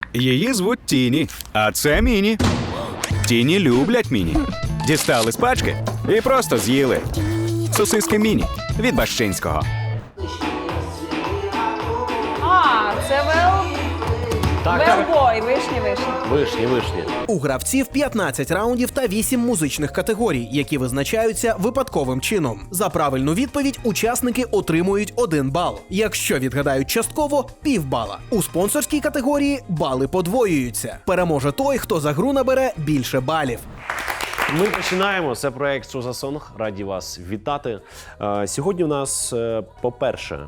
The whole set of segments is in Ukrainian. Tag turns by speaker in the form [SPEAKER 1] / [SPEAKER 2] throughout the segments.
[SPEAKER 1] Її звуть Тіні, а це Міні. Тіні люблять Міні. Дістали з пачки і просто з'їли. Сосиски Міні від Бащинського.
[SPEAKER 2] А, це велбой, вишні.
[SPEAKER 3] Вишні.
[SPEAKER 4] У гравців 15 раундів та 8 музичних категорій, які визначаються випадковим чином. За правильну відповідь учасники отримують 1 бал. Якщо відгадають частково – півбала. У спонсорській категорії бали подвоюються. Переможе той, хто за гру набере більше балів.
[SPEAKER 3] Ми починаємо. Це проект «Що за сонг». Раді вас вітати. Сьогодні у нас, по-перше,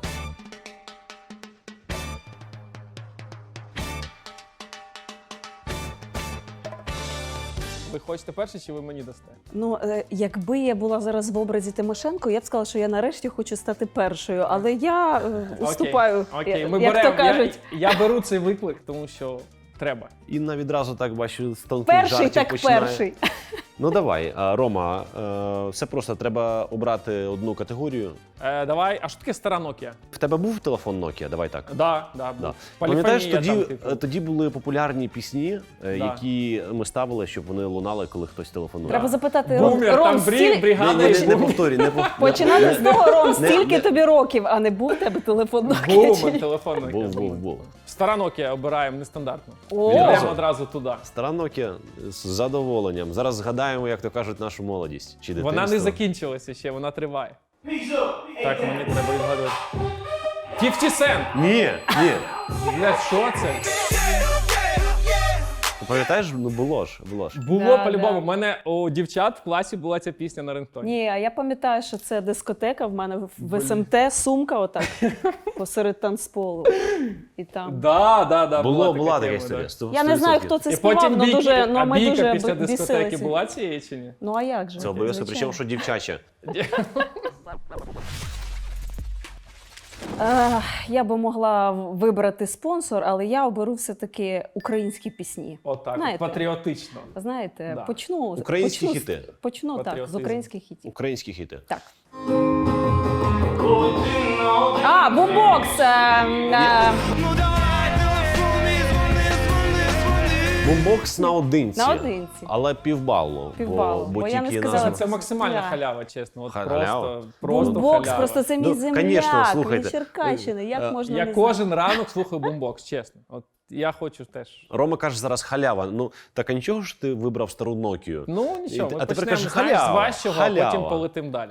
[SPEAKER 5] Ви хочете перше, чи ви мені дасте?
[SPEAKER 2] Ну, якби я була зараз в образі Тимошенко, я б сказала, що я нарешті хочу стати першою, але я уступаю,
[SPEAKER 5] Окей. Ми
[SPEAKER 2] як
[SPEAKER 5] беремо.
[SPEAKER 2] то кажуть.
[SPEAKER 5] Я беру цей виклик, тому що треба.
[SPEAKER 3] Інна відразу так бачу з тонких
[SPEAKER 2] Перший
[SPEAKER 3] жартів
[SPEAKER 2] так
[SPEAKER 3] починає.
[SPEAKER 2] перший.
[SPEAKER 3] Ну давай, Рома, все просто, треба обрати одну категорію.
[SPEAKER 5] Давай, а що таке стара Nokia?
[SPEAKER 3] В тебе був телефон Nokia? Давай так.
[SPEAKER 5] Да.
[SPEAKER 3] Пам'ятаєш,
[SPEAKER 5] Поліфонія
[SPEAKER 3] тоді були популярні пісні, які ми ставили, щоб вони лунали, коли хтось телефонує.
[SPEAKER 2] Треба запитати,
[SPEAKER 5] Бумер,
[SPEAKER 2] Ром,
[SPEAKER 5] там
[SPEAKER 2] стіль...
[SPEAKER 5] бригада.
[SPEAKER 3] Не повторюй,
[SPEAKER 2] Починати з того, Ром, стільки тобі років, а не був в тебе телефон Nokia?
[SPEAKER 5] Бумер, телефон Nokia.
[SPEAKER 3] Був.
[SPEAKER 5] Стара Nokia обираємо нестандартно.
[SPEAKER 2] О!
[SPEAKER 5] Йдемо одразу туди.
[SPEAKER 3] Стара Nokia з задоволенням. Зараз згадаємо, як то кажуть, нашу молодість. Чи
[SPEAKER 5] Вона не
[SPEAKER 3] дитинство.
[SPEAKER 5] закінчилася ще, вона триває. Так, мені треба відгадувати. 50 Cent!
[SPEAKER 3] Ні.
[SPEAKER 5] Бля, що це?
[SPEAKER 3] Ти пам'ятаєш? Ну було ж.
[SPEAKER 5] Було
[SPEAKER 2] Да,
[SPEAKER 5] по-любому.
[SPEAKER 2] да.
[SPEAKER 5] У мене у дівчат в класі була ця пісня на рингтоні.
[SPEAKER 2] Ні, а я пам'ятаю, що це дискотека, в мене в СМТ сумка отак посеред танцполу. І там.
[SPEAKER 5] Да.
[SPEAKER 3] Була така
[SPEAKER 5] тема,
[SPEAKER 3] історія.
[SPEAKER 5] да.
[SPEAKER 2] Я не знаю, хто це
[SPEAKER 5] І
[SPEAKER 2] співав,
[SPEAKER 5] потім
[SPEAKER 2] але
[SPEAKER 5] бійки,
[SPEAKER 2] дуже,
[SPEAKER 5] а
[SPEAKER 2] ми
[SPEAKER 5] бійка
[SPEAKER 2] дуже
[SPEAKER 5] після дискотеки
[SPEAKER 2] бісилися.
[SPEAKER 5] була цієї чи ні?
[SPEAKER 2] Ну а як же?
[SPEAKER 3] Це обов'язково,
[SPEAKER 2] Звичайно.
[SPEAKER 3] причому, що дівчача.
[SPEAKER 2] Я би могла вибрати спонсор, але я оберу все-таки українські пісні.
[SPEAKER 5] Отак,
[SPEAKER 2] Знаєте.
[SPEAKER 5] патріотично.
[SPEAKER 2] Знаєте,
[SPEAKER 5] Да.
[SPEAKER 3] Українські хіти.
[SPEAKER 2] Почну так, з
[SPEAKER 5] Патріотизм.
[SPEAKER 2] українських хітів.
[SPEAKER 3] Українські хіти.
[SPEAKER 2] Так. А, бумбокс!
[SPEAKER 3] Бумбокс наодинці.
[SPEAKER 2] Наодинці.
[SPEAKER 3] Але півбалу.
[SPEAKER 2] Півбалу, бо я не
[SPEAKER 3] тільки
[SPEAKER 2] сказала,
[SPEAKER 3] назва.
[SPEAKER 5] Це максимальна
[SPEAKER 2] Да.
[SPEAKER 5] халява, чесно. От
[SPEAKER 3] Халява?
[SPEAKER 5] просто
[SPEAKER 2] Бумбокс,
[SPEAKER 5] халява.
[SPEAKER 2] просто це мій
[SPEAKER 3] Ну,
[SPEAKER 2] земляк,
[SPEAKER 3] конечно, слухайте.
[SPEAKER 2] мій Черкащини. Як можна
[SPEAKER 5] Я
[SPEAKER 2] не
[SPEAKER 5] кожен ранок слухаю бумбокс, чесно. От я хочу теж.
[SPEAKER 3] Рома каже зараз халява. Ну, так а нічого ж ти вибрав стару Нокію?
[SPEAKER 5] Ну нічого, ми
[SPEAKER 3] А тепер
[SPEAKER 5] почнемо
[SPEAKER 3] кажеш,
[SPEAKER 5] знаєш, з
[SPEAKER 3] халява,
[SPEAKER 5] важчого, а
[SPEAKER 3] халява.
[SPEAKER 5] потім полетим далі.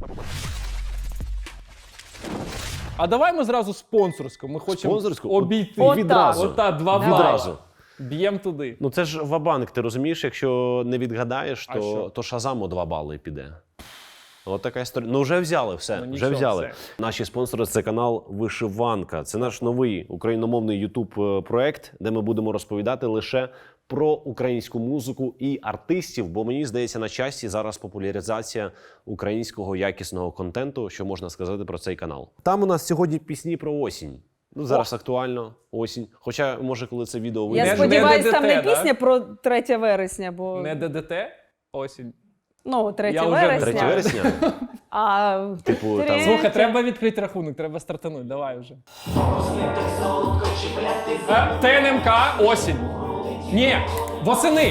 [SPEAKER 5] А давай ми зразу спонсорську. Ми хочемо
[SPEAKER 3] Спонсорську?
[SPEAKER 5] обійти.
[SPEAKER 2] Отак.
[SPEAKER 3] Відразу.
[SPEAKER 5] Ота, два бали.
[SPEAKER 3] Відразу.
[SPEAKER 5] Б'єм туди.
[SPEAKER 3] Ну це ж ва-банк, ти розумієш, якщо не відгадаєш,
[SPEAKER 5] А що?
[SPEAKER 3] то Шазаму 2 бали піде. От така історія. Ну вже взяли все.
[SPEAKER 5] Ну,
[SPEAKER 3] вже
[SPEAKER 5] нічого,
[SPEAKER 3] взяли.
[SPEAKER 5] все.
[SPEAKER 3] Наші спонсори – це канал Вишиванка. Це наш новий україномовний YouTube проект, де ми будемо розповідати лише про українську музику і артистів, бо мені здається, на часі зараз популяризація українського якісного контенту, що можна сказати про цей канал. Там у нас сьогодні пісні про осінь. Ну, зараз актуально, осінь. Хоча, може, коли це відео
[SPEAKER 2] Я
[SPEAKER 3] вийде.
[SPEAKER 5] Не
[SPEAKER 2] сподіваюся, там не
[SPEAKER 5] ДДТ, да?
[SPEAKER 2] пісня про 3 вересня, бо
[SPEAKER 5] Не ДДТ, осінь.
[SPEAKER 2] ну, 3
[SPEAKER 5] Я вже не
[SPEAKER 3] 3
[SPEAKER 2] вересня.
[SPEAKER 3] вересня?
[SPEAKER 2] А
[SPEAKER 3] Типу, там-
[SPEAKER 2] третє-
[SPEAKER 5] Слухай, треба відкрити рахунок, треба стартанути, давай вже. ТНМК, осінь. Ні, восени.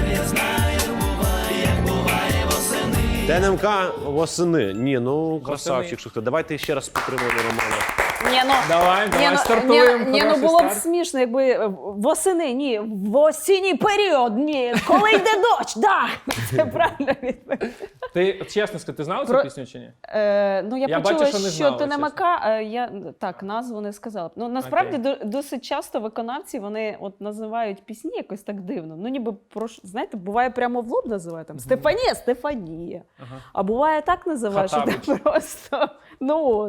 [SPEAKER 3] ТНМК восени. Ні, ну красавчик, що хто. Давайте ще раз підтримуємо Романа.
[SPEAKER 2] Ні, ну,
[SPEAKER 5] Давай, стартуємо.
[SPEAKER 2] ні, ну
[SPEAKER 5] хороший
[SPEAKER 2] було б
[SPEAKER 5] старт.
[SPEAKER 2] смішно, якби восени, ні, в осінній період, ні, коли йде дощ, да. Це правильно відповідь.
[SPEAKER 5] Ти чесно скажи, ти знала цю
[SPEAKER 2] Про-
[SPEAKER 5] пісню чи ні?
[SPEAKER 2] Ну, я
[SPEAKER 5] Я
[SPEAKER 2] почула,
[SPEAKER 5] бачу, що не знала,
[SPEAKER 2] ТНМК, я так, назву не сказала. Ну, насправді, досить часто виконавці, вони от називають пісні якось так дивно. Ну, ніби, знаєте, буває прямо в лоб називають, там, Стефанія.
[SPEAKER 5] Ага.
[SPEAKER 2] А буває так називають, що
[SPEAKER 5] Хатабич.
[SPEAKER 2] ти просто, ну от.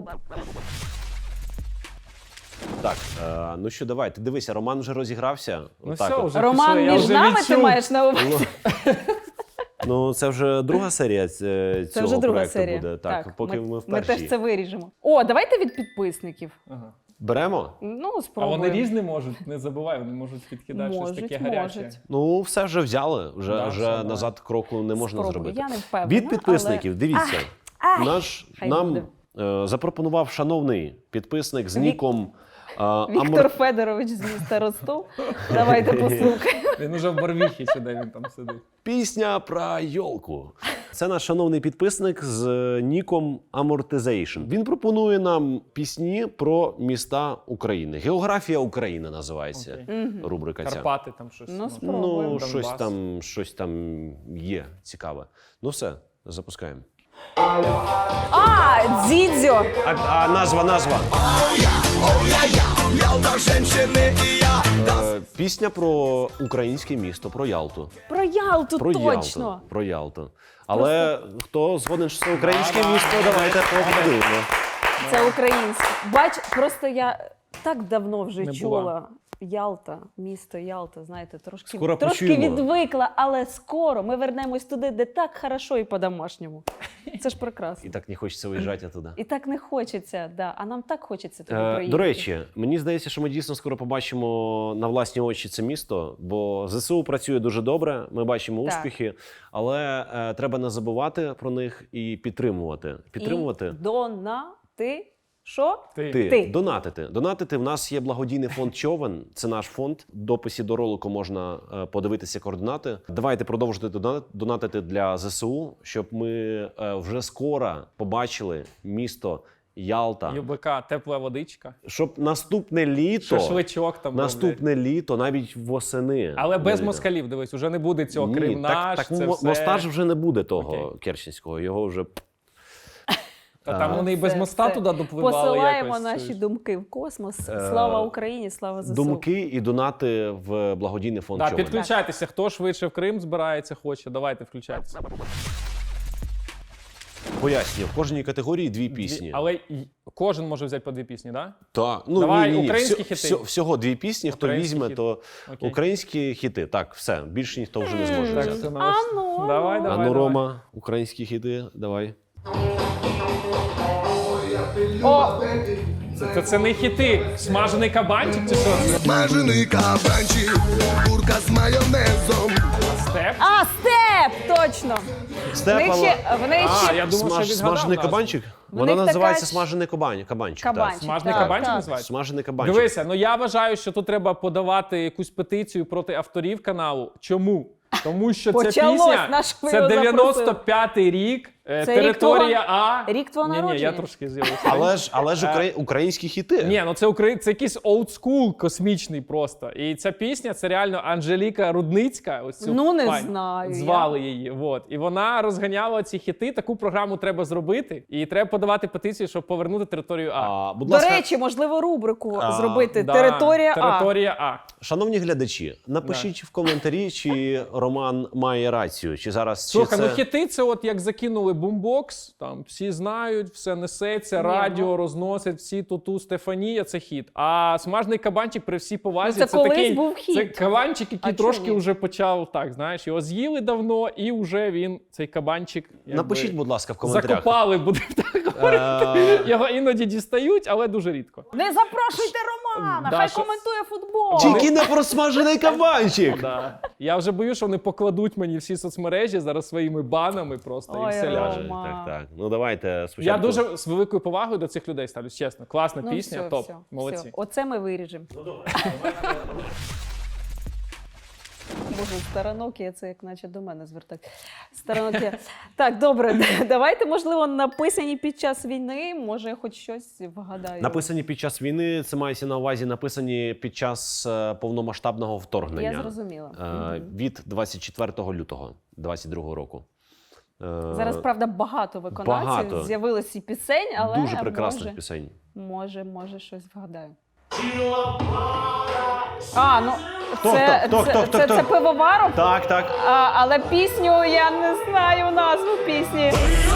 [SPEAKER 3] Так, ну що, давай, ти дивися, Роман вже розігрався.
[SPEAKER 5] Ну
[SPEAKER 3] Отак
[SPEAKER 5] все,
[SPEAKER 3] от.
[SPEAKER 5] вже
[SPEAKER 2] Роман,
[SPEAKER 5] пішли, я
[SPEAKER 2] між
[SPEAKER 5] вже
[SPEAKER 2] нами ти
[SPEAKER 5] відчув.
[SPEAKER 2] маєш на увазі?
[SPEAKER 3] Ну, це вже друга серія
[SPEAKER 2] Це
[SPEAKER 3] цього
[SPEAKER 2] вже друга
[SPEAKER 3] проекту
[SPEAKER 2] серія.
[SPEAKER 3] буде. Так, поки ми в
[SPEAKER 2] ми
[SPEAKER 3] першій.
[SPEAKER 2] теж це виріжемо. О, давайте від підписників.
[SPEAKER 5] Ага.
[SPEAKER 3] Беремо?
[SPEAKER 2] Ну,
[SPEAKER 5] А
[SPEAKER 2] спробуємо.
[SPEAKER 5] вони різні можуть, не забувай, вони можуть підкидати щось таке гаряче.
[SPEAKER 2] Можуть.
[SPEAKER 3] Ну, все вже взяли, вже,
[SPEAKER 5] Да,
[SPEAKER 3] вже
[SPEAKER 5] все, давай.
[SPEAKER 3] назад кроку не можна
[SPEAKER 2] Спробую.
[SPEAKER 3] зробити.
[SPEAKER 2] Я не впевнена,
[SPEAKER 3] Від підписників,
[SPEAKER 2] але-
[SPEAKER 3] дивіться,
[SPEAKER 2] Ай,
[SPEAKER 3] наш,
[SPEAKER 2] хай
[SPEAKER 3] нам
[SPEAKER 2] буде.
[SPEAKER 3] запропонував шановний підписник з ніком
[SPEAKER 2] Віктор Федорович з міста Ростов. Давайте послухаємо.
[SPEAKER 5] Він уже в Барвіхі чи де він там сидить.
[SPEAKER 3] Пісня про йолку. Це наш шановний підписник з ніком Amortization. Він пропонує нам пісні про міста України. Географія України називається рубрика ця.
[SPEAKER 5] Карпати там щось.
[SPEAKER 2] Ну, спробуємо.
[SPEAKER 3] Ну,
[SPEAKER 5] Донбас.
[SPEAKER 3] щось там є цікаве. Ну все, запускаємо.
[SPEAKER 2] А, Дзідзьо!
[SPEAKER 3] А назва. Пісня про українське місто, про Ялту.
[SPEAKER 2] Про Ялту,
[SPEAKER 3] Про
[SPEAKER 2] точно!
[SPEAKER 3] Ялту. Про Ялту. Але хто згоден, що це українське місто, давайте поговоримо.
[SPEAKER 2] Це українське. Бач, просто я так давно вже
[SPEAKER 5] Не
[SPEAKER 2] чула.
[SPEAKER 5] була.
[SPEAKER 2] Ялта, місто Ялта, знаєте, трошки
[SPEAKER 3] Скоро
[SPEAKER 2] трошки
[SPEAKER 3] почуємо.
[SPEAKER 2] відвикла, але скоро ми вернемось туди, де так хорошо і по-домашньому. Це ж прекрасно.
[SPEAKER 3] І так не хочеться виїжджати туди.
[SPEAKER 2] І так не хочеться, да. А нам так хочеться туди приїхати.
[SPEAKER 3] До речі, мені здається, що ми дійсно скоро побачимо на власні очі це місто, бо ЗСУ працює дуже добре, ми бачимо
[SPEAKER 2] Так.
[SPEAKER 3] успіхи, але треба не забувати про них і підтримувати. Підтримувати?
[SPEAKER 2] І донати. Що?
[SPEAKER 3] Ти. Донатити. Донатити. В нас є благодійний фонд Човен. Це наш фонд. В дописі до ролику можна подивитися координати. Давайте продовжувати донатити для ЗСУ, щоб ми вже скоро побачили місто Ялта.
[SPEAKER 5] ЮБК, тепла водичка.
[SPEAKER 3] Щоб наступне літо,
[SPEAKER 5] Шашличок там
[SPEAKER 3] наступне літо, навіть восени.
[SPEAKER 5] Але без
[SPEAKER 3] Літо.
[SPEAKER 5] москалів, дивись, уже не буде цього
[SPEAKER 3] Ні,
[SPEAKER 5] Крим наш,
[SPEAKER 3] так
[SPEAKER 5] це все.
[SPEAKER 3] моста ж вже не буде того
[SPEAKER 5] Окей.
[SPEAKER 3] Керченського. Його вже
[SPEAKER 5] Та там вони і без
[SPEAKER 2] Це
[SPEAKER 5] моста
[SPEAKER 2] все.
[SPEAKER 5] туди допливали
[SPEAKER 2] Посилаємо
[SPEAKER 5] якось.
[SPEAKER 2] наші думки в космос. Слава Україні, слава ЗСУ.
[SPEAKER 3] думки і донати в благодійний фонд
[SPEAKER 5] Да,
[SPEAKER 3] Човен.
[SPEAKER 5] підключайтеся, хто швидше в Крим збирається, хоче, давайте включайтеся.
[SPEAKER 3] Поясню, в кожній категорії дві пісні.
[SPEAKER 5] Але кожен може взяти по дві пісні, так?
[SPEAKER 3] Так, ну
[SPEAKER 5] Давай,
[SPEAKER 3] ні.
[SPEAKER 5] українські хіти.
[SPEAKER 3] Всього дві пісні. Хто
[SPEAKER 5] Українські
[SPEAKER 3] візьме,
[SPEAKER 5] хіти.
[SPEAKER 3] то
[SPEAKER 5] Окей.
[SPEAKER 3] українські хіти. Так, все. Більше ніхто вже не зможе
[SPEAKER 5] Так,
[SPEAKER 3] взяти.
[SPEAKER 5] це наш...
[SPEAKER 2] Ану,
[SPEAKER 5] Давай, давай,
[SPEAKER 3] Ану,
[SPEAKER 5] давай.
[SPEAKER 3] Рома, українські хіти, давай.
[SPEAKER 2] О,
[SPEAKER 5] Це не хіти. Смажений кабанчик чи що це?
[SPEAKER 6] Смажений кабанчик, курка з майонезом.
[SPEAKER 5] Степ?
[SPEAKER 2] а, степ! Точно! В них ще, в них
[SPEAKER 5] А,
[SPEAKER 2] ще
[SPEAKER 5] я думав, що відгадав
[SPEAKER 3] Смажений
[SPEAKER 5] назву.
[SPEAKER 3] кабанчик?
[SPEAKER 2] В
[SPEAKER 3] Вона
[SPEAKER 2] них
[SPEAKER 3] називається
[SPEAKER 2] така ж-
[SPEAKER 3] смажений кабанчик.
[SPEAKER 2] кабанчик.
[SPEAKER 5] Смажений
[SPEAKER 2] так,
[SPEAKER 5] кабанчик
[SPEAKER 2] так.
[SPEAKER 5] називається?
[SPEAKER 3] Смажений кабанчик.
[SPEAKER 5] Дивися, ну я вважаю, що тут треба подавати якусь петицію проти авторів каналу. Чому? Тому що ця
[SPEAKER 2] Почалось,
[SPEAKER 5] пісня,
[SPEAKER 2] на що ви
[SPEAKER 5] це
[SPEAKER 2] його
[SPEAKER 5] 95-й рік,
[SPEAKER 2] Це
[SPEAKER 5] територія
[SPEAKER 2] рік
[SPEAKER 5] А.
[SPEAKER 2] рік твого
[SPEAKER 5] Ні, я
[SPEAKER 2] народження.
[SPEAKER 5] трошки з'явився.
[SPEAKER 3] Але ж українські хіти.
[SPEAKER 5] Ні, ну це якийсь олдскул космічний просто. І ця пісня, це реально Анжеліка Рудницька. Ось цю
[SPEAKER 2] Ну, не
[SPEAKER 5] пані.
[SPEAKER 2] знаю
[SPEAKER 5] Звали її. Вот. І вона розганяла ці хіти. Таку програму треба зробити. І треба подавати петицію, щоб повернути територію А.
[SPEAKER 3] Будь
[SPEAKER 2] До
[SPEAKER 3] ласка,
[SPEAKER 2] речі, можливо, рубрику зробити
[SPEAKER 5] Да,
[SPEAKER 2] «Територія А».
[SPEAKER 5] Територія А.
[SPEAKER 3] шановні глядачі, напишіть в коментарі, чи Роман має рацію, чи зараз
[SPEAKER 5] Слухай,
[SPEAKER 3] чи
[SPEAKER 5] ну
[SPEAKER 3] це...
[SPEAKER 5] хіти це от як закинули бумбокс, там всі знають, все несеться, радіо розносить, всі туту Стефанія, це хіт. А смажений кабанчик при всій повазі,
[SPEAKER 2] Ну, це колись
[SPEAKER 5] такий,
[SPEAKER 2] був хіт.
[SPEAKER 5] це кабанчик, який
[SPEAKER 2] А
[SPEAKER 5] трошки
[SPEAKER 2] чому ні?
[SPEAKER 5] вже почав, так, знаєш, його з'їли давно, і вже він, цей кабанчик, якби,
[SPEAKER 3] Напишіть, будь ласка, в коментарях.
[SPEAKER 5] закопали, будемо так говорити. Його іноді дістають, але дуже рідко.
[SPEAKER 2] Не запрошуйте Романа,
[SPEAKER 5] Да,
[SPEAKER 2] хай
[SPEAKER 5] що-
[SPEAKER 2] коментує футбол.
[SPEAKER 3] Тільки не про смажений кабанчик!
[SPEAKER 5] Да. Я вже боюсь, що вони покладуть мені всі соцмережі зараз своїми банами просто
[SPEAKER 2] Ой,
[SPEAKER 5] і все ляже.
[SPEAKER 2] Рома.
[SPEAKER 3] Так. Ну давайте спочатку.
[SPEAKER 5] Я дуже з великою повагою до цих людей ставлюсь, чесно. Класна
[SPEAKER 2] Ну,
[SPEAKER 5] пісня,
[SPEAKER 2] все,
[SPEAKER 5] топ.
[SPEAKER 2] все,
[SPEAKER 5] Молодці.
[SPEAKER 2] все. Оце ми виріжемо. Боже, старонокія, це як наче до мене звертать. Старонокія. Так, добре, давайте, можливо, написані під час війни, може, хоч щось вгадаю.
[SPEAKER 3] Написані під час війни, це мається на увазі, написані під час повномасштабного вторгнення.
[SPEAKER 2] Я зрозуміла.
[SPEAKER 3] Від 24 лютого 22 року.
[SPEAKER 2] Зараз, правда, багато виконавців
[SPEAKER 3] багато.
[SPEAKER 2] з'явилось і пісень, але
[SPEAKER 3] Дуже прекрасних
[SPEAKER 2] може,
[SPEAKER 3] пісень.
[SPEAKER 2] може щось вгадаю. А, ну,
[SPEAKER 3] Хто?
[SPEAKER 2] це Пивоваров,
[SPEAKER 3] Так.
[SPEAKER 2] але пісню я не знаю назву пісні.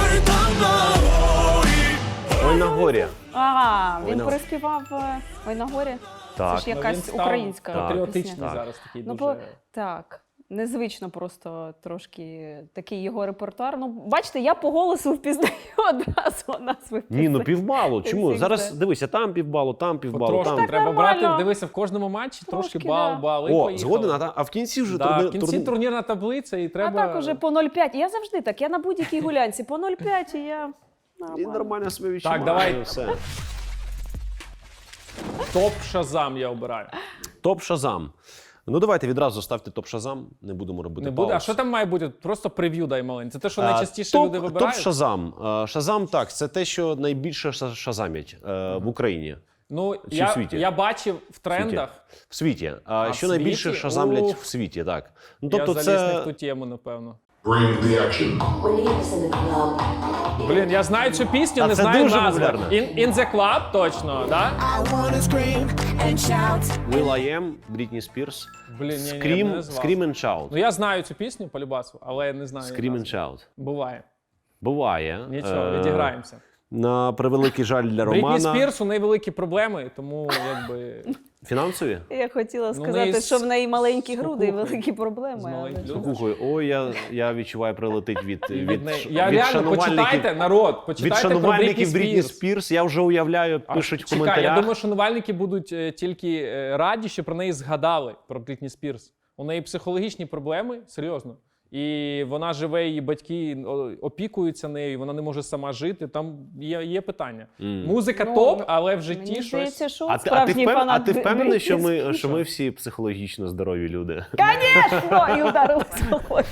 [SPEAKER 3] Ой, на горі.
[SPEAKER 2] Ага,
[SPEAKER 3] Ой,
[SPEAKER 2] він
[SPEAKER 3] на-
[SPEAKER 2] переспівав «Ой на горі».
[SPEAKER 3] Так.
[SPEAKER 2] Це ж
[SPEAKER 5] Ну, він
[SPEAKER 2] якась
[SPEAKER 5] став
[SPEAKER 2] українська
[SPEAKER 5] патріотичний
[SPEAKER 2] пісня.
[SPEAKER 5] зараз такий
[SPEAKER 2] Ну,
[SPEAKER 5] дуже.
[SPEAKER 2] так, незвично просто трошки такий його репертуар. Ну, бачите, я по голосу впізнаю одразу назви
[SPEAKER 3] Ні, ну
[SPEAKER 2] пісень.
[SPEAKER 3] півбалу. Чому?
[SPEAKER 2] Всіх
[SPEAKER 3] Зараз
[SPEAKER 2] знає.
[SPEAKER 3] дивися, там півбалу, там півбалу,
[SPEAKER 5] Потрошки
[SPEAKER 3] там.
[SPEAKER 5] треба
[SPEAKER 2] нормально.
[SPEAKER 5] брати, дивися, в кожному матчі трошки
[SPEAKER 2] Трошки,
[SPEAKER 5] бал,
[SPEAKER 2] да.
[SPEAKER 5] бал, і
[SPEAKER 3] О,
[SPEAKER 5] поїхали.
[SPEAKER 3] згоден, а в кінці вже
[SPEAKER 5] Да, в кінці турнірна таблиця і
[SPEAKER 2] А
[SPEAKER 5] треба...
[SPEAKER 2] так уже по 0,5. Я завжди так, я на будь-якій гулянці по 0,5 і я...
[SPEAKER 3] І нормально себе відчуваю.
[SPEAKER 5] давай.
[SPEAKER 3] Все.
[SPEAKER 5] Топ Шазам я обираю.
[SPEAKER 3] Топ Шазам. Ну давайте відразу ставте топ Шазам, не будемо робити
[SPEAKER 5] Не буде.
[SPEAKER 3] пауз.
[SPEAKER 5] А що там має бути? Просто прев'ю дай маленьке. Це те, що найчастіше люди
[SPEAKER 3] Топ
[SPEAKER 5] вибирають?
[SPEAKER 3] Шазам. Шазам, так, це те, що найбільше шазамять в Україні.
[SPEAKER 5] Ну,
[SPEAKER 3] Чи в світі?
[SPEAKER 5] я бачив в трендах.
[SPEAKER 3] В світі.
[SPEAKER 5] в
[SPEAKER 3] Що найбільше
[SPEAKER 5] світі?
[SPEAKER 3] шазамлять
[SPEAKER 5] Ух.
[SPEAKER 3] в світі, так. Ну,
[SPEAKER 5] Я
[SPEAKER 3] тобто
[SPEAKER 5] заліз не в
[SPEAKER 3] це...
[SPEAKER 5] ту тему, напевно.
[SPEAKER 6] Bring the action.
[SPEAKER 7] When he was in the club,
[SPEAKER 5] Блін, я знаю цю пісню,
[SPEAKER 3] А
[SPEAKER 5] не
[SPEAKER 3] це
[SPEAKER 5] знаю
[SPEAKER 3] дуже
[SPEAKER 5] назву.
[SPEAKER 3] популярно.
[SPEAKER 5] In the Club, точно, да?
[SPEAKER 6] I wanna scream and shout.
[SPEAKER 3] Will I Am, Брітні Спірс.
[SPEAKER 5] Блін, ні, я б
[SPEAKER 3] Scream,
[SPEAKER 5] не назвав.
[SPEAKER 3] Scream and Shout.
[SPEAKER 5] Ну я знаю цю пісню по любасу, але я не знаю. її
[SPEAKER 3] Scream and
[SPEAKER 5] назву.
[SPEAKER 3] Shout.
[SPEAKER 5] Буває.
[SPEAKER 3] Буває.
[SPEAKER 5] Нічого, відіграємося.
[SPEAKER 3] На превеликий жаль для
[SPEAKER 5] Брітні
[SPEAKER 3] Романа.
[SPEAKER 5] Спірс, у неї великі проблеми, тому якби...
[SPEAKER 3] Фінансові?
[SPEAKER 2] Я хотіла
[SPEAKER 5] Ну,
[SPEAKER 2] сказати,
[SPEAKER 5] неї
[SPEAKER 2] що в неї маленькі груди і
[SPEAKER 5] спокухою.
[SPEAKER 2] великі проблеми.
[SPEAKER 5] З
[SPEAKER 2] але
[SPEAKER 5] маленьких
[SPEAKER 2] що?
[SPEAKER 5] грудей.
[SPEAKER 3] Слухай, ой, я відчуваю, прилетить від
[SPEAKER 5] Я реально, почитайте, народ,
[SPEAKER 3] від
[SPEAKER 5] почитайте про Брітні
[SPEAKER 3] шанувальників Брітні
[SPEAKER 5] Спірс.
[SPEAKER 3] Спірс. Я вже уявляю, пишуть в
[SPEAKER 5] Чекай,
[SPEAKER 3] коментарях.
[SPEAKER 5] я думаю, шанувальники будуть тільки раді, що про неї згадали, про Брітні Спірс. У неї психологічні проблеми, серйозно. І вона живе, її батьки опікуються нею, вона не може сама жити. Там є питання. Музика
[SPEAKER 2] Ну,
[SPEAKER 5] топ, але в житті
[SPEAKER 2] Мені
[SPEAKER 5] щось...
[SPEAKER 2] здається, що
[SPEAKER 3] А
[SPEAKER 2] справжній
[SPEAKER 3] ти
[SPEAKER 2] фанат
[SPEAKER 3] впевнений, що
[SPEAKER 2] Брітні
[SPEAKER 3] ми,
[SPEAKER 2] Спірс.
[SPEAKER 3] що ми всі психологічно здорові люди?
[SPEAKER 2] Конечно! І ударилась головою.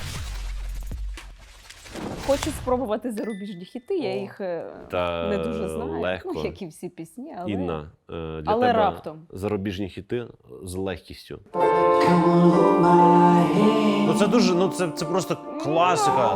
[SPEAKER 2] Хочу спробувати зарубіжні хіти, я їх
[SPEAKER 3] Та
[SPEAKER 2] не дуже знаю.
[SPEAKER 3] легко.
[SPEAKER 2] Ну, як і всі пісні, але...
[SPEAKER 3] Інна, для
[SPEAKER 2] Але
[SPEAKER 3] тебе
[SPEAKER 2] раптом.
[SPEAKER 3] зарубіжні хіти з легкістю. Ну це дуже, це просто класика.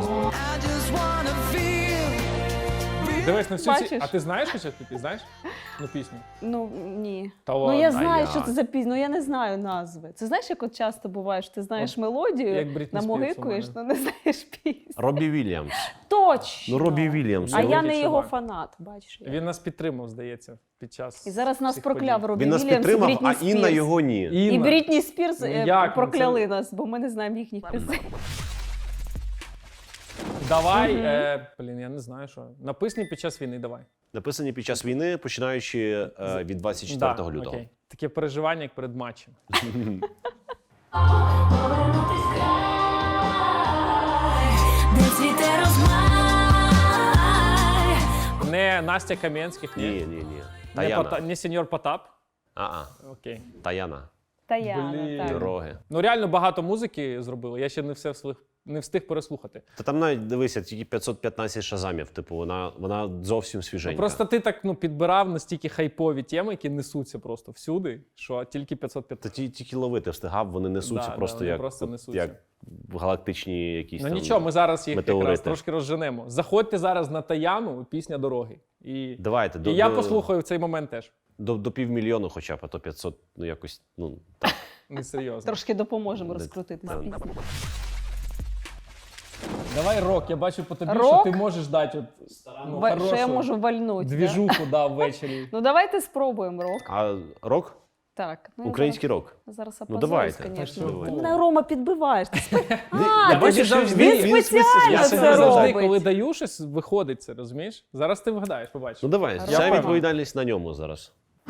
[SPEAKER 5] Дивись на всю ці...
[SPEAKER 2] Бачиш?
[SPEAKER 5] А ти знаєш що ти знаєш? Ну, пісню.
[SPEAKER 2] Ну, ні.
[SPEAKER 5] Та
[SPEAKER 2] Ну,
[SPEAKER 5] ладно,
[SPEAKER 2] я
[SPEAKER 5] а
[SPEAKER 2] знаю,
[SPEAKER 5] як?
[SPEAKER 2] що це за пісню, ну я не знаю назви. Це знаєш, як от часто буває, що ти знаєш мелодію,
[SPEAKER 5] як Брітні Спірс у
[SPEAKER 2] намогикуєш,
[SPEAKER 5] мене.
[SPEAKER 2] але не знаєш пісню.
[SPEAKER 3] Робі Вільямс.
[SPEAKER 2] Точно!
[SPEAKER 3] Ну, Робі Вільямс.
[SPEAKER 2] А я
[SPEAKER 5] Великий
[SPEAKER 2] не його
[SPEAKER 5] чувак.
[SPEAKER 2] фанат, бачиш. як.
[SPEAKER 5] Він нас підтримав, здається, під час
[SPEAKER 2] І зараз нас
[SPEAKER 5] цих
[SPEAKER 2] прокляв
[SPEAKER 5] подій.
[SPEAKER 2] Робі
[SPEAKER 3] Він нас
[SPEAKER 2] Вільямс і
[SPEAKER 3] підтримав,
[SPEAKER 2] Брітні
[SPEAKER 3] а
[SPEAKER 2] Спірс.
[SPEAKER 3] Інна його ні.
[SPEAKER 2] І
[SPEAKER 5] Інна.
[SPEAKER 2] Брітні Спірс
[SPEAKER 5] Ну, як? Ну,
[SPEAKER 2] прокляли нас, бо ми не знаємо їхніх пісень.
[SPEAKER 5] Давай, блін, я не знаю, що. Написані під час війни, давай.
[SPEAKER 3] Написані під час війни, починаючи від 24
[SPEAKER 5] Да,
[SPEAKER 3] лютого.
[SPEAKER 5] окей. Таке переживання, як перед матчем.
[SPEAKER 7] де цвіте розмай.
[SPEAKER 5] Не Настя Кам'янських, ні.
[SPEAKER 3] Ні.
[SPEAKER 5] Не,
[SPEAKER 3] Таяна.
[SPEAKER 5] не сеньор Потап. Окей.
[SPEAKER 3] Таяна.
[SPEAKER 2] Таяна,
[SPEAKER 5] Блін.
[SPEAKER 2] так.
[SPEAKER 3] Дороги.
[SPEAKER 5] Ну реально багато музики зробили. Я ще не встиг переслухати.
[SPEAKER 3] Та там навіть, дивися, тільки 515 шазамів. Типу, вона зовсім свіженька.
[SPEAKER 5] Просто ти так підбирав настільки хайпові теми, які несуться просто всюди, що тільки 515.
[SPEAKER 3] Та тільки ловити встигав, вони несуться
[SPEAKER 5] Да,
[SPEAKER 3] просто
[SPEAKER 5] вони
[SPEAKER 3] як,
[SPEAKER 5] просто
[SPEAKER 3] от
[SPEAKER 5] несуться.
[SPEAKER 3] як галактичні якісь
[SPEAKER 5] Ну
[SPEAKER 3] там
[SPEAKER 5] нічого, ми зараз їх якраз
[SPEAKER 3] метеорити.
[SPEAKER 5] трошки розженемо. Заходьте зараз на Таяну, пісня дороги. І
[SPEAKER 3] Давайте,
[SPEAKER 5] я послухаю в цей момент теж.
[SPEAKER 3] До 500 000 хоча б, а то 500, ну якось, ну так.
[SPEAKER 5] Несерйозно.
[SPEAKER 2] Трошки допоможемо
[SPEAKER 3] Де-
[SPEAKER 2] розкрутити
[SPEAKER 3] так.
[SPEAKER 2] пісню.
[SPEAKER 5] Давай рок, я бачу по тобі, що
[SPEAKER 2] Рок?
[SPEAKER 5] ти можеш дати от, ну,
[SPEAKER 2] Що я
[SPEAKER 5] хорошу
[SPEAKER 2] можу вальнути. да?
[SPEAKER 5] двіжуху дав ввечері.
[SPEAKER 2] Ну давайте спробуємо рок.
[SPEAKER 3] А рок?
[SPEAKER 2] Так. Ну, я
[SPEAKER 3] Український рок.
[SPEAKER 2] Зараз
[SPEAKER 3] Ну,
[SPEAKER 2] опозорюсь,
[SPEAKER 3] давайте.
[SPEAKER 2] звісно.
[SPEAKER 5] Та що
[SPEAKER 2] Ти
[SPEAKER 5] ви?
[SPEAKER 2] мене, Рома, підбиваєш. Ти
[SPEAKER 3] Я
[SPEAKER 2] ти
[SPEAKER 3] бачу, що
[SPEAKER 5] завжди-
[SPEAKER 2] він спеціально
[SPEAKER 5] Я
[SPEAKER 2] це
[SPEAKER 5] собі завжди,
[SPEAKER 2] робить.
[SPEAKER 5] коли даю щось, виходить це, розумієш? Зараз ти вгадаєш, побачиш.
[SPEAKER 3] Ну давай,
[SPEAKER 5] Я
[SPEAKER 3] вся
[SPEAKER 5] певен.
[SPEAKER 3] відповідальність на ньому зараз.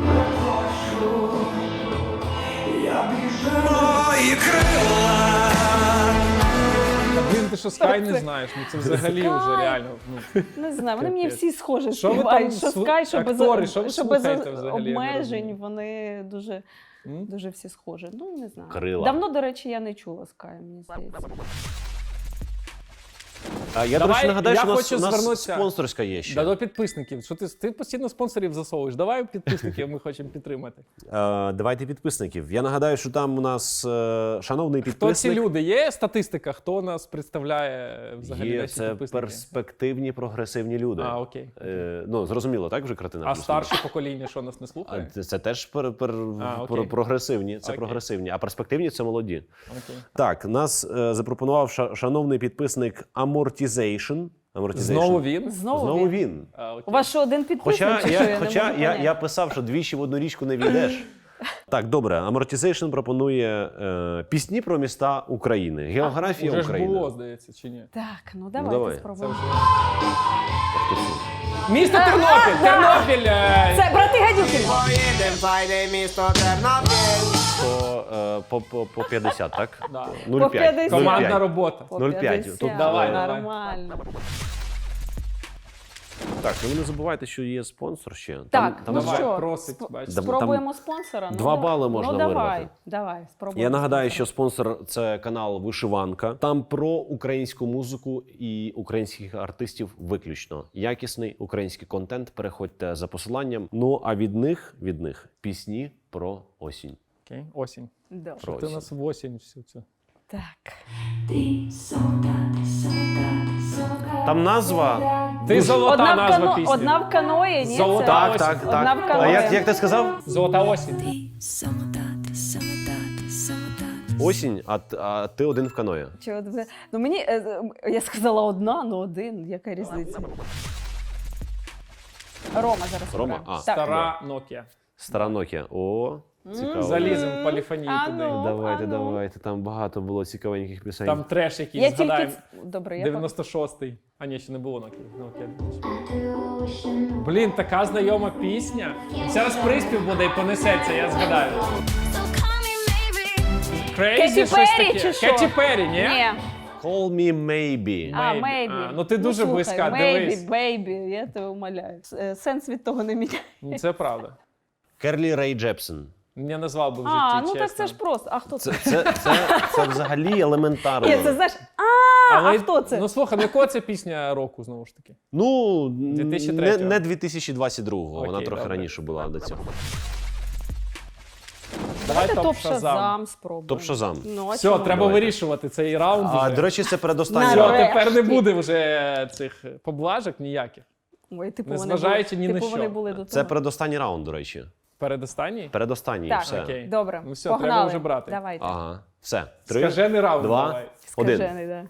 [SPEAKER 5] Та, блін, ти що Скай не знаєш? Ну це взагалі
[SPEAKER 2] Скай.
[SPEAKER 5] вже реально. Ну.
[SPEAKER 2] Не знаю, вони мені
[SPEAKER 5] Капець.
[SPEAKER 2] всі схожі
[SPEAKER 5] Що ви
[SPEAKER 2] співають.
[SPEAKER 5] там
[SPEAKER 2] Що
[SPEAKER 5] слу-
[SPEAKER 2] Скай, що без,
[SPEAKER 5] актори, що ви
[SPEAKER 2] що без
[SPEAKER 5] слухаєте взагалі, я не
[SPEAKER 2] обмежень,
[SPEAKER 5] розумію.
[SPEAKER 2] вони дуже,
[SPEAKER 5] М?
[SPEAKER 2] дуже всі схожі. Ну, не знаю.
[SPEAKER 3] Крила.
[SPEAKER 2] Давно, до речі, я не чула Скай, мені здається.
[SPEAKER 3] А я, до
[SPEAKER 5] Давай,
[SPEAKER 3] речі, нагадаю,
[SPEAKER 5] я
[SPEAKER 3] що у
[SPEAKER 5] хочу
[SPEAKER 3] нас
[SPEAKER 5] звернутися.
[SPEAKER 3] спонсорська є ще.
[SPEAKER 5] Да, до підписників. Що ти постійно спонсорів засовуєш? Давай підписників ми хочемо підтримати.
[SPEAKER 3] Давайте підписників. Я нагадаю, що там у нас шановний
[SPEAKER 5] Хто
[SPEAKER 3] підписник.
[SPEAKER 5] ці люди? Є статистика, хто нас представляє взагалі
[SPEAKER 3] Є,
[SPEAKER 5] наші
[SPEAKER 3] це
[SPEAKER 5] підписники?
[SPEAKER 3] перспективні, прогресивні люди.
[SPEAKER 5] А, окей.
[SPEAKER 3] Ну, зрозуміло, так вже картина?
[SPEAKER 5] А
[SPEAKER 3] плюс-мінус?
[SPEAKER 5] старше покоління, що нас не слухає?
[SPEAKER 3] Це теж
[SPEAKER 5] окей.
[SPEAKER 3] прогресивні. Це
[SPEAKER 5] Окей.
[SPEAKER 3] прогресивні. А перспективні це молоді.
[SPEAKER 5] Окей.
[SPEAKER 3] Так, нас запропонував шановний підписник Amortization.
[SPEAKER 5] Знову він?
[SPEAKER 2] Знову, він.
[SPEAKER 3] він.
[SPEAKER 5] А, окей.
[SPEAKER 2] У вас що, один підписник?
[SPEAKER 3] Хоча,
[SPEAKER 2] чи що?
[SPEAKER 3] я,
[SPEAKER 2] не
[SPEAKER 3] хоча
[SPEAKER 2] можу
[SPEAKER 3] я,
[SPEAKER 2] поняти.
[SPEAKER 3] я писав, що двічі в одну річку не війдеш. Так, добре. Amortization пропонує пісні про міста України. Географія
[SPEAKER 5] Уже ж
[SPEAKER 3] України.
[SPEAKER 5] було, здається, чи ні?
[SPEAKER 2] Так, ну давайте
[SPEAKER 3] давай.
[SPEAKER 5] Це
[SPEAKER 2] спробуємо.
[SPEAKER 5] вже... Місто Тернопіль! Тернопіль!
[SPEAKER 2] Це брати Гадюкін!
[SPEAKER 3] По 50, так?
[SPEAKER 5] Да.
[SPEAKER 3] 0,5.
[SPEAKER 2] По 50.
[SPEAKER 5] Командна робота.
[SPEAKER 2] По
[SPEAKER 3] 0,5.
[SPEAKER 2] 50.
[SPEAKER 3] Тут
[SPEAKER 5] давай,
[SPEAKER 2] Нормально.
[SPEAKER 3] Так, ну ви не забувайте, що є спонсор ще.
[SPEAKER 2] Так,
[SPEAKER 3] там
[SPEAKER 2] ну
[SPEAKER 5] давай,
[SPEAKER 2] що,
[SPEAKER 5] просить,
[SPEAKER 2] сп-
[SPEAKER 5] бачиш.
[SPEAKER 2] спробуємо спонсора?
[SPEAKER 3] 2 бали можна
[SPEAKER 2] ну, давай,
[SPEAKER 3] вирвати.
[SPEAKER 2] давай, спробуємо.
[SPEAKER 3] Я нагадаю,
[SPEAKER 2] спонсора.
[SPEAKER 3] що спонсор – це канал Вишиванка. Там про українську музику і українських артистів виключно. Якісний український контент. Переходьте за посиланням. Ну, а від них пісні про осінь.
[SPEAKER 5] Окей, осінь.
[SPEAKER 2] Добре.
[SPEAKER 3] Про
[SPEAKER 5] Ти
[SPEAKER 3] осінь.
[SPEAKER 5] нас в осінь всю цю.
[SPEAKER 2] Так.
[SPEAKER 3] Там назва...
[SPEAKER 5] Ти золота
[SPEAKER 2] Одна в,
[SPEAKER 5] назва пісні.
[SPEAKER 2] одна в каної, ні?
[SPEAKER 5] Золота
[SPEAKER 2] Це-
[SPEAKER 3] Так, так,
[SPEAKER 2] Одна в
[SPEAKER 3] так.
[SPEAKER 2] каної.
[SPEAKER 3] А як ти сказав?
[SPEAKER 5] Золота осінь.
[SPEAKER 3] Осінь, а ти один в каної.
[SPEAKER 2] Чи от ви- Ну мені, я сказала одна, ну один, яка різниця? Рома зараз.
[SPEAKER 3] Рома?
[SPEAKER 2] обирає.
[SPEAKER 3] А.
[SPEAKER 2] Так.
[SPEAKER 5] Стара Nokia.
[SPEAKER 3] Стара Nokia. О, цікаво.
[SPEAKER 5] Залізем поліфонії
[SPEAKER 2] А
[SPEAKER 5] туди.
[SPEAKER 2] ну.
[SPEAKER 3] Давайте,
[SPEAKER 2] а ну.
[SPEAKER 3] давайте. Там багато було цікавеньких пісень.
[SPEAKER 5] Там треш
[SPEAKER 2] Я
[SPEAKER 5] якийсь,
[SPEAKER 2] тільки...
[SPEAKER 5] згадаємо.
[SPEAKER 2] Добре, я
[SPEAKER 5] 96-й. А ні, ще не було Nokia. Блін, така знайома пісня. Зараз приспів буде і понесеться, я згадаю. Crazy,
[SPEAKER 2] Кеті
[SPEAKER 5] щось
[SPEAKER 2] Перрі
[SPEAKER 5] таке.
[SPEAKER 2] чи що?
[SPEAKER 5] Кеті Перрі, ні?
[SPEAKER 2] Ні.
[SPEAKER 3] Call me maybe.
[SPEAKER 2] А,
[SPEAKER 5] Maybe.
[SPEAKER 2] maybe.
[SPEAKER 5] А, ну ти дуже
[SPEAKER 2] слухай,
[SPEAKER 5] близька,
[SPEAKER 2] maybe,
[SPEAKER 5] дивись.
[SPEAKER 2] baby, я тебе умоляю. Сенс від того не міняє.
[SPEAKER 5] Ну, це правда.
[SPEAKER 3] Керлі Рей Джепсон.
[SPEAKER 5] Не назвав би в житті,
[SPEAKER 2] А, ну
[SPEAKER 5] чесно.
[SPEAKER 2] так це ж просто. А хто це?
[SPEAKER 3] Це взагалі елементарно.
[SPEAKER 2] Ні, це знаєш.
[SPEAKER 5] Але,
[SPEAKER 2] а хто це?
[SPEAKER 5] Ну слухай, ну якого це пісня року, знову ж таки?
[SPEAKER 3] Ну,
[SPEAKER 5] 2003-го.
[SPEAKER 3] не 2022-го, вона
[SPEAKER 5] Окей,
[SPEAKER 3] трохи
[SPEAKER 5] добре.
[SPEAKER 3] раніше була до цього.
[SPEAKER 5] Давай
[SPEAKER 2] Топ
[SPEAKER 5] топ-шазам.
[SPEAKER 2] Шазам спробуємо.
[SPEAKER 3] Топ Шазам.
[SPEAKER 2] Ну, а
[SPEAKER 5] Все,
[SPEAKER 2] чому?
[SPEAKER 5] треба
[SPEAKER 3] Давайте.
[SPEAKER 5] вирішувати цей раунд.
[SPEAKER 3] А,
[SPEAKER 5] вже.
[SPEAKER 3] до речі, це передостанній
[SPEAKER 5] Все,
[SPEAKER 3] раунд.
[SPEAKER 2] Нарешті.
[SPEAKER 5] тепер не буде вже цих поблажок ніяких.
[SPEAKER 2] Ой, типу,
[SPEAKER 5] Незважаючи ні на
[SPEAKER 2] типу,
[SPEAKER 5] що.
[SPEAKER 2] вони були до того.
[SPEAKER 3] Це передостанній раунд, до речі.
[SPEAKER 5] Передостанній?
[SPEAKER 3] Передостанній,
[SPEAKER 2] Так,
[SPEAKER 3] все.
[SPEAKER 5] Окей.
[SPEAKER 2] Добре,
[SPEAKER 5] Ну все,
[SPEAKER 2] погнали.
[SPEAKER 5] треба вже брати.
[SPEAKER 2] Давайте.
[SPEAKER 3] Ага, все. 3,
[SPEAKER 5] Скажений раунд
[SPEAKER 3] 2,
[SPEAKER 5] давай.
[SPEAKER 3] 1.
[SPEAKER 2] Скажений, да.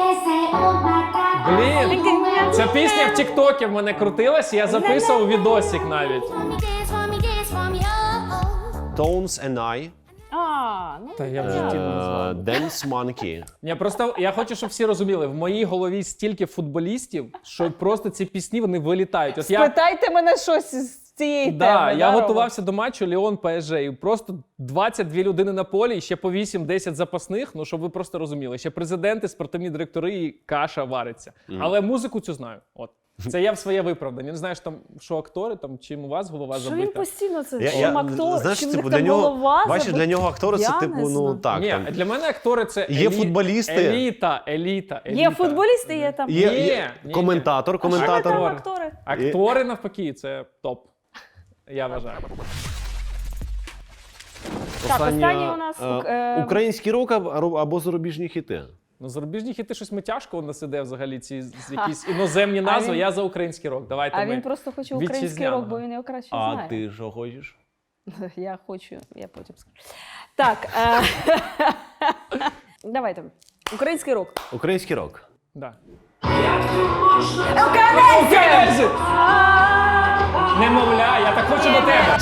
[SPEAKER 5] Блін, ця пісня в Тіктокі в мене крутилась, я записував відосик навіть.
[SPEAKER 3] Tones and I,
[SPEAKER 2] А, ну
[SPEAKER 5] Та я в житті не назвав.
[SPEAKER 3] Dance Monkey.
[SPEAKER 5] Я хочу, щоб всі розуміли, в моїй голові стільки футболістів, що просто ці пісні вони вилітають. От я,
[SPEAKER 2] спитайте мене щось з цієї
[SPEAKER 5] да,
[SPEAKER 2] теми.
[SPEAKER 5] я
[SPEAKER 2] Рома?
[SPEAKER 5] готувався до матчу Ліон ПСЖ, і просто 22 людини на полі, і ще по 8-10 запасних, ну щоб ви просто розуміли. Ще президенти, спортивні директори і каша вариться. Але музику цю знаю. От. Це я в своє виправдання. Не знаєш, там, що актори, там, чим у вас голова
[SPEAKER 2] Що він
[SPEAKER 5] забита.
[SPEAKER 2] постійно це? Чим актор?
[SPEAKER 3] знаєш,
[SPEAKER 2] Чим в
[SPEAKER 3] типу,
[SPEAKER 2] них
[SPEAKER 3] для
[SPEAKER 2] там
[SPEAKER 3] нього,
[SPEAKER 2] голова
[SPEAKER 3] бачиш,
[SPEAKER 2] забита?
[SPEAKER 3] для нього актори це
[SPEAKER 2] Я
[SPEAKER 3] типу,
[SPEAKER 2] не
[SPEAKER 3] ну
[SPEAKER 2] знаю.
[SPEAKER 3] так.
[SPEAKER 5] Ні,
[SPEAKER 3] там.
[SPEAKER 5] для мене актори це
[SPEAKER 3] Є футболісти.
[SPEAKER 5] еліта.
[SPEAKER 2] Є футболісти, є там.
[SPEAKER 3] Є
[SPEAKER 5] Ні,
[SPEAKER 3] коментатор,
[SPEAKER 2] А що ви там
[SPEAKER 3] коментатор.
[SPEAKER 2] актори?
[SPEAKER 5] Актори навпаки, це топ. Я вважаю.
[SPEAKER 2] Так, останній у нас,
[SPEAKER 3] український рок або зарубіжні хіти.
[SPEAKER 5] Ну, зарубіжні хіти щось ми тяжко у нас іде взагалі, ці якісь іноземні назви.
[SPEAKER 2] він-
[SPEAKER 5] Я за український рок. Давайте
[SPEAKER 2] А
[SPEAKER 5] ми
[SPEAKER 2] він просто хоче український
[SPEAKER 5] вітчизняного.
[SPEAKER 2] рок, бо він його краще
[SPEAKER 3] А
[SPEAKER 2] знає.
[SPEAKER 3] ти що хочеш?
[SPEAKER 2] Я хочу, я потім скажу. Так, давайте. Український рок.
[SPEAKER 3] Український рок.
[SPEAKER 5] Да.
[SPEAKER 2] Окей!
[SPEAKER 5] Немовля, я так хочу до тебе.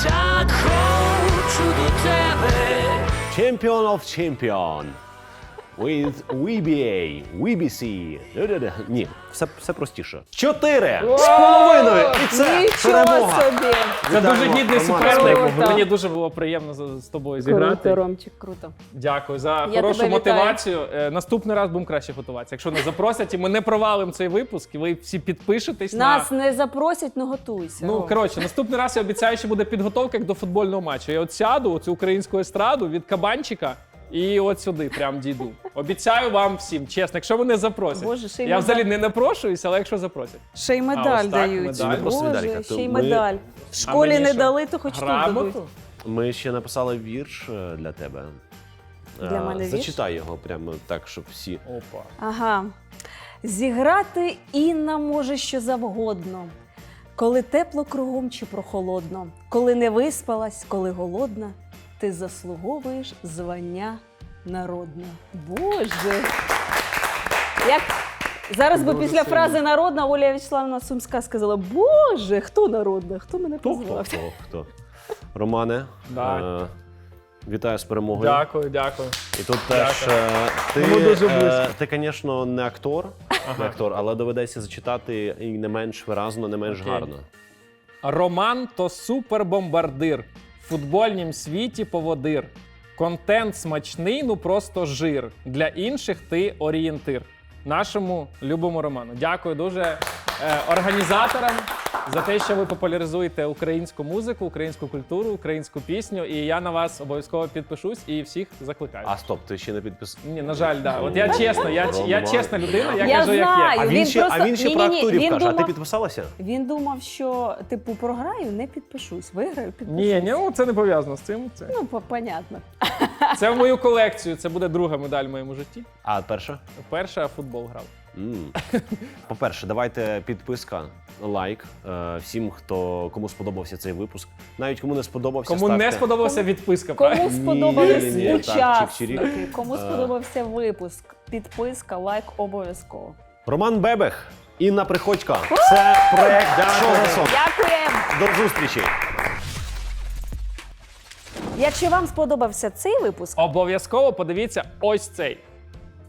[SPEAKER 3] Champion of Champion. With WBA, WBC. Ні, все простіше. 4,5! І це
[SPEAKER 2] Нічого
[SPEAKER 3] перемога.
[SPEAKER 2] собі!
[SPEAKER 5] Це
[SPEAKER 3] Вітаємо,
[SPEAKER 5] дуже гідний
[SPEAKER 3] Роман.
[SPEAKER 5] суперник.
[SPEAKER 2] Круто.
[SPEAKER 5] Мені дуже було приємно з тобою зіграти.
[SPEAKER 2] Круто, Ромчик, круто.
[SPEAKER 5] Дякую за
[SPEAKER 2] Я
[SPEAKER 5] хорошу
[SPEAKER 2] тебе вітаю.
[SPEAKER 5] мотивацію. Наступний раз будемо краще готуватися. Якщо не запросять, і ми не провалимо цей випуск, і ви всі підпишетесь
[SPEAKER 2] Нас
[SPEAKER 5] на.
[SPEAKER 2] не запросять, не готуйся.
[SPEAKER 5] Ну,
[SPEAKER 2] Ром.
[SPEAKER 5] коротше, наступний раз я обіцяю, що буде підготовка як до футбольного матчу. Я от сяду, цю українську естраду від кабанчика і от сюди прям дійду. Обіцяю вам всім, чесно, якщо мене запросять.
[SPEAKER 2] Боже, ще й
[SPEAKER 5] Я
[SPEAKER 2] медаль.
[SPEAKER 5] взагалі не напрошуюся, але якщо запросять.
[SPEAKER 2] Ще й
[SPEAKER 5] А,
[SPEAKER 2] медаль
[SPEAKER 5] ось так,
[SPEAKER 2] дають.
[SPEAKER 5] медаль.
[SPEAKER 3] Це не просто
[SPEAKER 2] Боже,
[SPEAKER 3] медалька,
[SPEAKER 2] ще
[SPEAKER 3] то
[SPEAKER 2] й
[SPEAKER 3] ми-
[SPEAKER 2] медаль. В школі
[SPEAKER 5] мені
[SPEAKER 2] не
[SPEAKER 5] що?
[SPEAKER 2] дали, то хоч тут дадуть.
[SPEAKER 5] Грамоту?
[SPEAKER 3] Ми ще написали вірш для тебе.
[SPEAKER 2] Для мене вірш?
[SPEAKER 3] Зачитай його прямо так, щоб всі.
[SPEAKER 5] Опа.
[SPEAKER 2] Ага. Зіграти Інна може що завгодно. Коли тепло кругом чи прохолодно, коли не виспалась, коли голодна, ти заслуговуєш звання народне. Боже! Як зараз би
[SPEAKER 5] Дуже
[SPEAKER 2] після
[SPEAKER 5] сильно.
[SPEAKER 2] фрази народна Оля Вячеславівна Сумська сказала: Боже, хто народна? Хто мене
[SPEAKER 3] Хто?
[SPEAKER 2] позвав?
[SPEAKER 3] Романе,
[SPEAKER 5] Да.
[SPEAKER 3] вітаю з перемогою.
[SPEAKER 5] Дякую.
[SPEAKER 3] І тут теж
[SPEAKER 5] Ми дуже близько.
[SPEAKER 3] ти, звісно, не актор, але доведеться зачитати і не менш виразно, не менш
[SPEAKER 5] Окей.
[SPEAKER 3] гарно.
[SPEAKER 5] Роман то супербомбардир. В футбольнім світі поводир. Контент смачний, ну просто жир. Для інших ти орієнтир. Нашому любому Роману. Дякую дуже організаторам. за те, що ви популяризуєте українську музику, українську культуру, українську пісню. І я на вас обов'язково підпишусь і всіх закликаю.
[SPEAKER 3] А стоп, ти ще не підписав?
[SPEAKER 5] Ні, на жаль, да. От я чесно, я
[SPEAKER 3] Роман.
[SPEAKER 5] чесна людина, я
[SPEAKER 2] Я
[SPEAKER 5] кажу, як
[SPEAKER 2] знаю.
[SPEAKER 5] є.
[SPEAKER 3] А він ще про
[SPEAKER 2] Ні-ні-ні,
[SPEAKER 3] акторів
[SPEAKER 2] він
[SPEAKER 3] каже, а ти
[SPEAKER 2] думав-
[SPEAKER 3] підписалася?
[SPEAKER 2] Він думав, що типу програю, не підпишусь. Виграю, підпишусь.
[SPEAKER 5] Ні, ну це не пов'язано з цим.
[SPEAKER 2] Ну, понятно.
[SPEAKER 5] Це в мою колекцію, це буде друга медаль в моєму житті.
[SPEAKER 3] А перша?
[SPEAKER 5] Перша футбол грав.
[SPEAKER 3] По-перше, давайте підписка, лайк всім, кому сподобався цей випуск. Навіть кому не сподобався,
[SPEAKER 5] Кому
[SPEAKER 3] ставте.
[SPEAKER 5] не сподобався відписка,
[SPEAKER 2] Кому
[SPEAKER 5] правильно?
[SPEAKER 2] сподобались
[SPEAKER 3] ні, так,
[SPEAKER 2] учасники,
[SPEAKER 3] чик-чирік.
[SPEAKER 2] кому сподобався випуск, підписка, лайк обов'язково.
[SPEAKER 3] Роман Бебех, Інна Приходько. Це проект «Шоу на сон».
[SPEAKER 2] Дякуємо!
[SPEAKER 3] До зустрічі!
[SPEAKER 2] Якщо вам сподобався цей випуск,
[SPEAKER 5] Обов'язково подивіться ось цей.